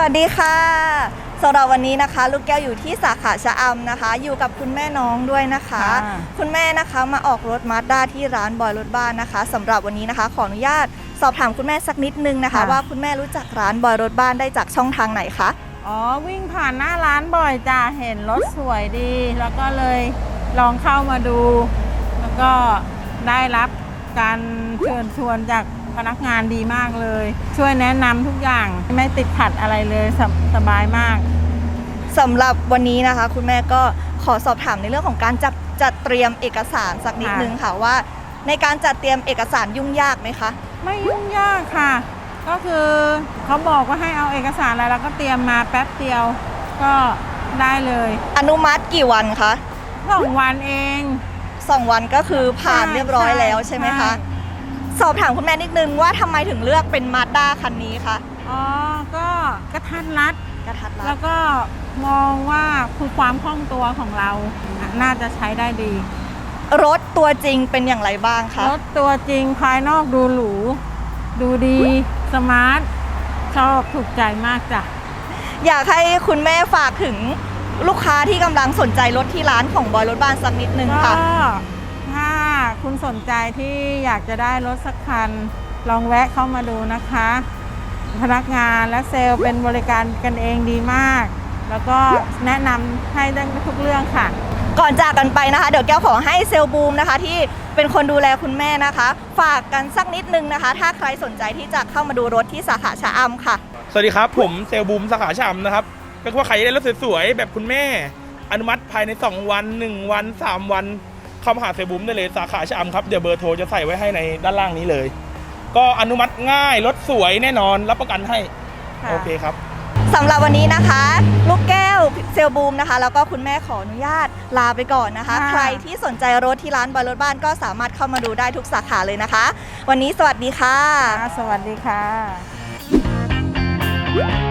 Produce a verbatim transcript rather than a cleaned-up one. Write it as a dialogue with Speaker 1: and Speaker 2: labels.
Speaker 1: วัสดีค่ะสำหรับวันนี้นะคะลูกแก้วอยู่ที่สาขาชะอำนะคะอยู่กับคุณแม่น้องด้วยนะคะ คุณแม่นะคะมาออกรถมาสด้าที่ร้านบอยรถบ้านนะคะสำหรับวันนี้นะคะขออนุญาตสอบถามคุณแม่สักนิดนึงนะคะว่าคุณแม่รู้จักร้านบอยรถบ้านได้จากช่องทางไหนคะ
Speaker 2: อ๋อวิ่งผ่านหน้าร้านบ่อยจ้ะเห็นรถสวยดี แล้วก็เลยลองเข้ามาดู แล้วก็ได้รับการเชิญชวนจากพนักงานดีมากเลยช่วยแนะนำทุกอย่างไม่ติดขัดอะไรเลยสสบายมาก
Speaker 1: สำหรับวันนี้นะคะคุณแม่ก็ขอสอบถามในเรื่องของการจัดจัดเตรียมเอกสารสักนิดนึงค่ะว่าในการจัดเตรียมเอกสารยุ่งยากไหมคะ
Speaker 2: ไม่ยุ่งยากค่ะก็คือเขาบอกว่าให้เอาเอกสารอะไรแล้วก็เตรียมมาแป๊บเดียวก็ได้เลย
Speaker 1: อนุมัติกี่วันคะ
Speaker 2: สองวันเอง
Speaker 1: สองวันก็คือผ่านเรียบร้อยแล้วใช่ไหมคะสอบถามคุณแม่นิดนึงว่าทำไมถึงเลือกเป็นมาสด้าคันนี้คะ
Speaker 2: อ๋อก็กระทัดรัด
Speaker 1: กระทัดรัด
Speaker 2: แล้วก็มองว่าคือความคล่องตัวของเราน่าจะใช้ได้ดี
Speaker 1: รถตัวจริงเป็นอย่างไรบ้างคะ
Speaker 2: รถตัวจริงภายนอกดูหรูดูดีสมาร์ทชอบถูกใจมากจ้ะ
Speaker 1: อยากให้คุณแม่ฝากถึงลูกค้าที่กำลังสนใจรถที่ร้านของบอยรถบ้านสักนิดนึงค่ะ
Speaker 2: ถ้าคุณสนใจที่อยากจะได้รถสักคันลองแวะเข้ามาดูนะคะพนักงานและเซลล์เป็นบริการกันเองดีมากแล้วก็แนะนำให้ได้ทุกเรื่องค่ะ
Speaker 1: ก่อนจากกันไปนะคะเดี๋ยวแก้วขอให้เซลล์บูมนะคะที่เป็นคนดูแลคุณแม่นะคะฝากกันสักนิดนึงนะคะถ้าใครสนใจที่จะเข้ามาดูรถที่สาขาชะอำค่ะ
Speaker 3: สวัสดีครับผมเซลล์บูมสาขาชะอำนะครับก็ว่าใครได้รถสวยๆแบบคุณแม่อนุมัติภายในสองวันหนึ่งวันสามวันเข้ามาหาเซลล์บูมได้เลยสาขาชะอำครับเดี๋ยวเบอร์โทรจะใส่ไว้ให้ในด้านล่างนี้เลยก็อนุมัติง่ายรถสวยแน่นอนรับประกันให้โอเคครับ
Speaker 1: สำหรับวันนี้นะคะลูกแก้วเซลล์บูมนะคะแล้วก็คุณแม่ขออนุญาตลาไปก่อนนะคะใครที่สนใจรถที่ร้านบอยรถบ้านก็สามารถเข้ามาดูได้ทุกสาขาเลยนะคะวันนี้สวัสดีค่ะ
Speaker 2: สวัสดีค่ะ